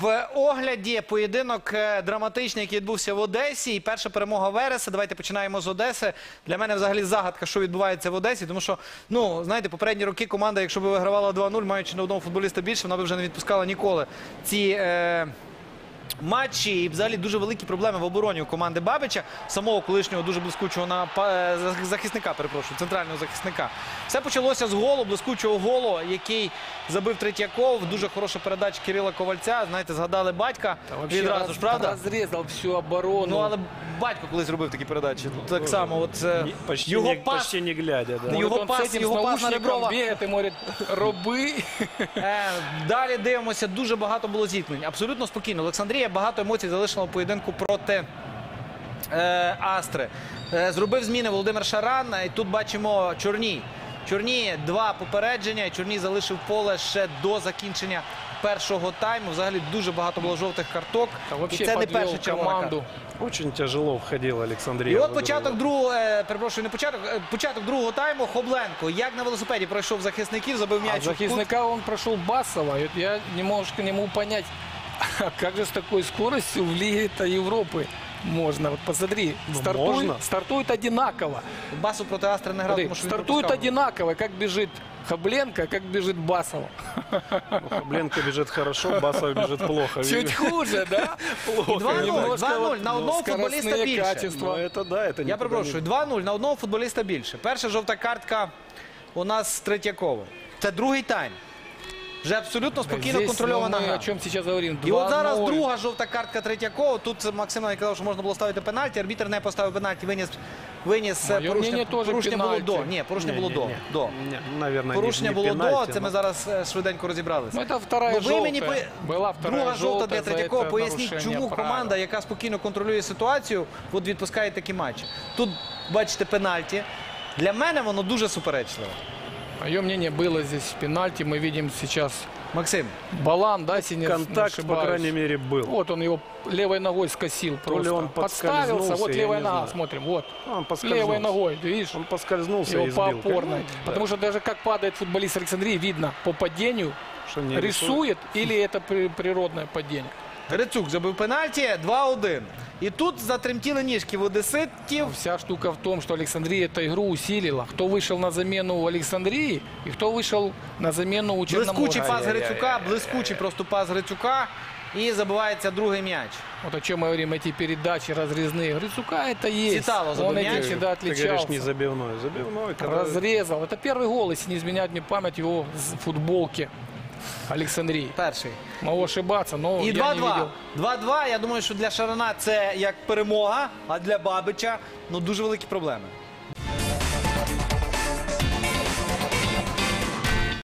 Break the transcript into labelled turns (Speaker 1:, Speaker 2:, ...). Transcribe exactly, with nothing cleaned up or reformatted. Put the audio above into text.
Speaker 1: В огляді поєдинок драматичний, який відбувся в Одесі. І перша перемога Вереса. Давайте починаємо з Одеси. Для мене взагалі загадка, що відбувається в Одесі. Тому що, ну, знаєте, попередні роки команда, якщо б вигравала два нуль, маючи на одного футболіста більше, вона б вже не відпускала ніколи ці е, матчі. І взагалі дуже великі проблеми в обороні у команди Бабича. Самого колишнього дуже блискучого на, е, захисника, перепрошую, центрального захисника. Все почалося з голу, блискучого голу, який забив Третьяков. Дуже хороша передача Кирила Ковальця. Знаєте, згадали батька відразу
Speaker 2: раз,
Speaker 1: ж, правда?
Speaker 2: Розрізав всю оборону.
Speaker 1: Ну, але батько колись робив такі передачі. Так само, от е,
Speaker 3: Почти,
Speaker 1: його
Speaker 3: не,
Speaker 1: пас,
Speaker 3: почти не глядя, да.
Speaker 1: його
Speaker 2: Вот он
Speaker 1: пас,
Speaker 2: с этим,
Speaker 1: його
Speaker 2: с
Speaker 1: пас на
Speaker 2: наушником
Speaker 1: Реброва.
Speaker 2: бегает и говорит, роби.
Speaker 1: Е, Далі дивимося, дуже багато було зіткнень. Абсолютно спокійно. Олександрія багато емоцій залишила в поєдинку проти е, Астри. Е, зробив зміни Володимир Шаран. І тут бачимо Чорній. Чорній два попередження. Чорній залишив поле ще до закінчення першого тайму. Взагалі дуже багато було жовтих карток.
Speaker 2: Та,
Speaker 1: І це не перша червона картка.
Speaker 3: Очень тяжело входила Олександрія.
Speaker 1: І от початок другого, е, перепрошую, не початок, е, початок другого тайму. Хобленко, як на велосипеді пройшов захисників, забив м'яч.
Speaker 2: А захисника он прошел Басова. И вот я немножко не могу понять, как же с такой скоростью в Лиге-то Европы можно. Вот посмотри,
Speaker 3: Ну,
Speaker 2: стартует,
Speaker 3: можно.
Speaker 2: стартует одинаково.
Speaker 1: Басу проти Астри не грав,
Speaker 2: Смотри,
Speaker 1: тому що він
Speaker 2: стартует
Speaker 1: пропускав.
Speaker 2: одинаково, как бежит Хобленко, как бежит Басова.
Speaker 3: Ну, Хобленко бежит хорошо, Басов бежит плохо.
Speaker 2: Чуть хуже, да?
Speaker 1: І два нуль,
Speaker 2: Немножко
Speaker 1: два нуль
Speaker 2: вот,
Speaker 1: на
Speaker 2: ну,
Speaker 1: одного футболіста
Speaker 2: скоростные
Speaker 1: більше.
Speaker 2: качества.
Speaker 3: Ну, это да, это
Speaker 1: Я перепрошую, два нуль на одного футболіста більше. Перша жовта картка у нас з Третьякова. Це другий тайм. Вже абсолютно спокійно
Speaker 2: Здесь,
Speaker 1: контрольована
Speaker 2: ну, мы
Speaker 1: гра.
Speaker 2: о чем сейчас говорим?
Speaker 1: І от зараз
Speaker 2: два ноль.
Speaker 1: друга жовта картка Третьякова. Тут Максим навіть казав, що можна було ставити пенальті. Арбітр не поставив пенальті, виніс, виніс
Speaker 2: Моє
Speaker 1: порушення,
Speaker 2: мнення, теж
Speaker 1: порушення було
Speaker 2: пенальті.
Speaker 1: до. Ні, порушення було до. до.
Speaker 3: Наверное,
Speaker 1: Порушення
Speaker 3: не,
Speaker 1: було
Speaker 3: не
Speaker 1: до,
Speaker 3: пенальти,
Speaker 1: це ми
Speaker 3: но-
Speaker 1: зараз е, швиденько розібралися.
Speaker 2: Ну, это вторая
Speaker 1: Ну, ви
Speaker 2: желтая.
Speaker 1: мені по-
Speaker 2: Была вторая
Speaker 1: Друга жовта для
Speaker 2: желтая за
Speaker 1: Третьякова.
Speaker 2: это
Speaker 1: Поясніть,
Speaker 2: нарушение
Speaker 1: чому
Speaker 2: правил.
Speaker 1: команда, яка спокійно контролює ситуацію, от відпускає такі матчі. Тут, бачите, пенальті. Для мене воно дуже суперечливо.
Speaker 2: Мое мнение, было здесь пенальти. Мы видим сейчас
Speaker 1: Максим,
Speaker 2: Балан, да, если не
Speaker 3: Контакт, по
Speaker 2: ошибаюсь.
Speaker 3: крайней мере, был.
Speaker 2: Вот он его левой ногой скосил
Speaker 3: То ли
Speaker 2: просто.
Speaker 3: он
Speaker 2: Подставился,
Speaker 3: подскользнулся,
Speaker 2: вот
Speaker 3: я
Speaker 2: левая
Speaker 3: не
Speaker 2: нога,
Speaker 3: знаю.
Speaker 2: смотрим, вот.
Speaker 3: Он поскользнулся.
Speaker 2: Левой ногой, ты видишь?
Speaker 3: Он поскользнулся
Speaker 2: Его
Speaker 3: и
Speaker 2: по
Speaker 3: сбил.
Speaker 2: опорной.
Speaker 3: Ну, да.
Speaker 2: Потому что даже как падает футболист Александрии, видно по падению,
Speaker 3: Что не
Speaker 2: рисует или это при- природное падение.
Speaker 1: Грицук забив пенальті, два один. І тут затремтіли ніжки в одеситів.
Speaker 2: Вся штука в том, что Александрия эту игру усилила. Кто вышел на замену у Александрии и кто вышел на замену у
Speaker 1: Блискучий
Speaker 2: Черноморца.
Speaker 1: пас Грицука, блискучий просто пас Грицука. І забивається другий м'яч.
Speaker 2: Вот о чем мы говорим, эти передачи разрезные. Грицука это есть.
Speaker 1: Ситало забыл
Speaker 2: Он
Speaker 1: мяч.
Speaker 2: этим всегда
Speaker 3: Ты говоришь,
Speaker 2: отличался.
Speaker 3: не забивной. Забивной, когда...
Speaker 2: Разрезал. Это первый гол, если не изменяет мне память, его с футболки Александрии.
Speaker 1: Перший.
Speaker 2: Могу ошибаться, но
Speaker 1: І
Speaker 2: я не
Speaker 1: два-два.
Speaker 2: видел.
Speaker 1: два-два. Я думаю, що для Шарана це як перемога, а для Бабича ну дуже великі проблеми.